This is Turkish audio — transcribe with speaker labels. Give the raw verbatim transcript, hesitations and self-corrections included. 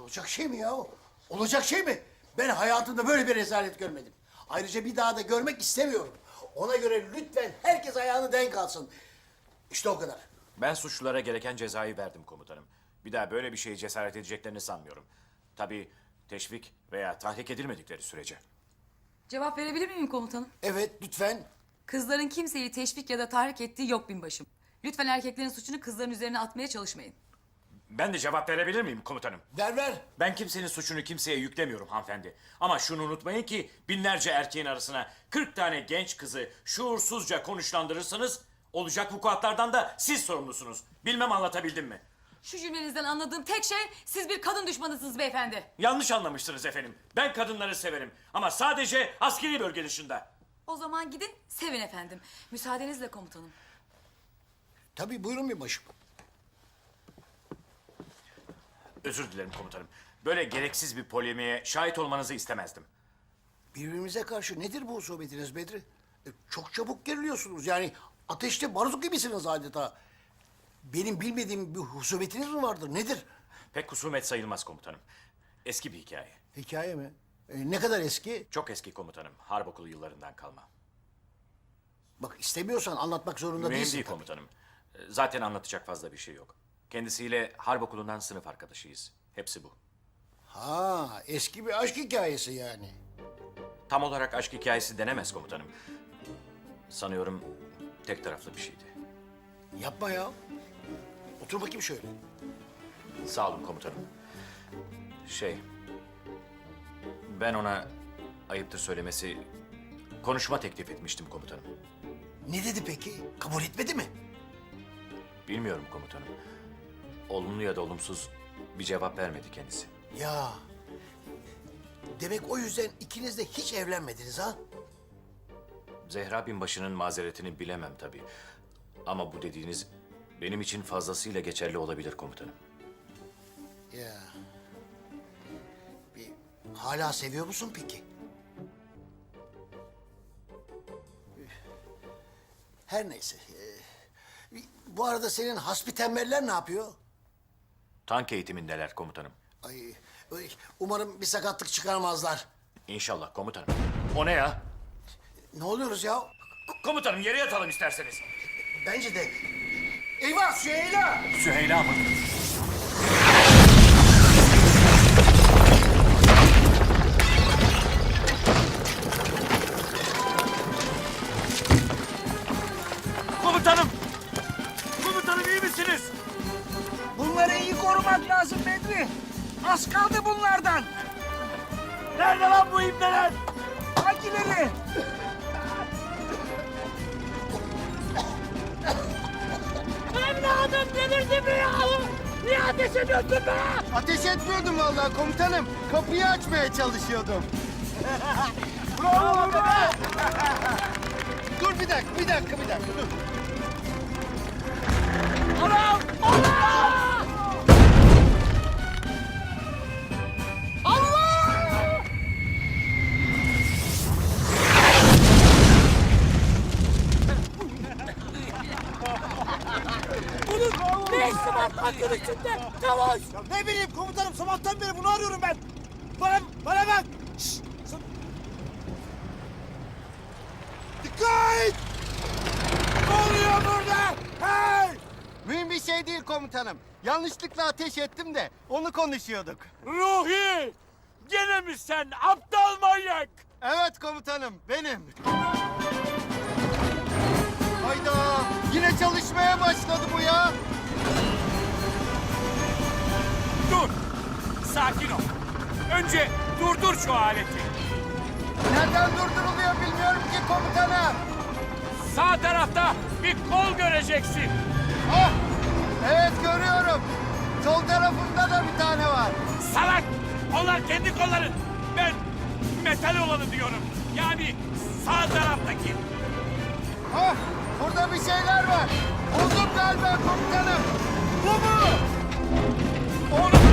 Speaker 1: Olacak şey mi ya? Olacak şey mi? Ben hayatımda böyle bir rezalet görmedim. Ayrıca bir daha da görmek istemiyorum. Ona göre lütfen herkes ayağını denk alsın. İşte o kadar.
Speaker 2: Ben suçlulara gereken cezayı verdim komutanım. Bir daha böyle bir şeye cesaret edeceklerini sanmıyorum. Tabii teşvik veya tahrik edilmedikleri sürece.
Speaker 3: Cevap verebilir miyim komutanım?
Speaker 1: Evet, lütfen.
Speaker 3: Kızların kimseyi teşvik ya da tahrik ettiği yok binbaşım. Lütfen erkeklerin suçunu kızların üzerine atmaya çalışmayın.
Speaker 2: Ben de cevap verebilir miyim komutanım?
Speaker 1: Ver ver.
Speaker 2: Ben kimsenin suçunu kimseye yüklemiyorum hanımefendi. Ama şunu unutmayın ki binlerce erkeğin arasına kırk tane genç kızı şuursuzca konuşlandırırsanız olacak vukuatlardan da siz sorumlusunuz. Bilmem anlatabildim mi?
Speaker 3: Şu cümlenizden anladığım tek şey siz bir kadın düşmanısınız beyefendi.
Speaker 2: Yanlış anlamışsınız efendim. Ben kadınları severim ama sadece askeri bölge dışında.
Speaker 3: O zaman gidin sevin efendim. Müsaadenizle komutanım.
Speaker 1: Tabii buyurun bir başım.
Speaker 2: Özür dilerim komutanım. Böyle gereksiz bir polemiğe şahit olmanızı istemezdim.
Speaker 1: Birbirimize karşı nedir bu husumiyetiniz Bedri? E, çok çabuk geriliyorsunuz. Yani ateşte barut gibisiniz adeta. Benim bilmediğim bir husumetiniz mi vardır? Nedir?
Speaker 2: Pek husumet sayılmaz komutanım. Eski bir hikaye.
Speaker 1: Hikaye mi? E, ne kadar eski?
Speaker 2: Çok eski komutanım. Harp okulu yıllarından kalma.
Speaker 1: Bak istemiyorsan anlatmak zorunda
Speaker 2: Mühim
Speaker 1: değilsin.
Speaker 2: değil
Speaker 1: tabii.
Speaker 2: komutanım. Zaten anlatacak fazla bir şey yok. Kendisiyle harp okulundan sınıf arkadaşıyız. Hepsi bu.
Speaker 1: Ha, eski bir aşk hikayesi yani.
Speaker 2: Tam olarak aşk hikayesi denemez komutanım. Sanıyorum tek taraflı bir şeydi.
Speaker 1: Yapma ya. Otur bakayım şöyle.
Speaker 2: Sağ olun komutanım. Şey... Ben ona ayıptır söylemesi konuşma teklif etmiştim komutanım.
Speaker 1: Ne dedi peki? Kabul etmedi mi?
Speaker 2: Bilmiyorum komutanım. Olumlu ya da olumsuz bir cevap vermedi kendisi.
Speaker 1: Ya. Demek o yüzden ikiniz de hiç evlenmediniz ha?
Speaker 2: Zehra binbaşının mazeretini bilemem tabii. Ama bu dediğiniz benim için fazlasıyla geçerli olabilir komutanım.
Speaker 1: Ya. Bir, hala seviyor musun peki? Her neyse. Ee, bu arada senin hasbi tembeller ne yapıyor?
Speaker 2: Tank eğitimindeler komutanım.
Speaker 1: Ay, ay, umarım bir sakatlık çıkarmazlar.
Speaker 2: İnşallah komutanım. O ne ya?
Speaker 1: Ne oluyoruz ya?
Speaker 2: K- komutanım yere yatalım isterseniz.
Speaker 1: Bence de. Eyvah Süheyla!
Speaker 2: Süheyla mı? Komutanım! Komutanım iyi misiniz?
Speaker 4: Bunları iyi korumak lazım Bedri. Az kaldı bunlardan.
Speaker 2: Nerede lan bu ibneler?
Speaker 4: Hangileri? Evladım delirdi mi ya? Niye ateş ediyorsun be?
Speaker 5: Ateş etmiyordum vallahi komutanım. Kapıyı açmaya çalışıyordum.
Speaker 4: Bravo be!
Speaker 5: Dur bir dakika, bir dakika, bir dakika dur.
Speaker 4: Anam! Allah! Allah! Bunun ne işi var tankın içinde? Çavuş!
Speaker 5: Ne bileyim komutanım, sabahtan beri bunu arıyorum ben. Bana, bana bak. Şşş! Dikkat!
Speaker 4: Ne oluyor burada? Hey!
Speaker 5: Mühim bir şey değil komutanım. Yanlışlıkla ateş ettim de onu konuşuyorduk.
Speaker 4: Ruhi! Gene mi sen aptal manyak?
Speaker 5: Evet komutanım, benim. Hayda! Yine çalışmaya başladı bu ya.
Speaker 4: Dur! Sakin ol. Önce durdur şu aleti.
Speaker 5: Nereden durduruluyor bilmiyorum ki komutanım.
Speaker 4: Sağ tarafta bir kol göreceksin.
Speaker 5: Ah! Evet görüyorum. Sol tarafında da bir tane var.
Speaker 4: Salak! Onlar kendi kolların. Ben metal olanı diyorum. Yani sağ taraftaki.
Speaker 5: Ah! Burada bir şeyler var. Buldum galiba komutanım. Bu mu?
Speaker 4: Onu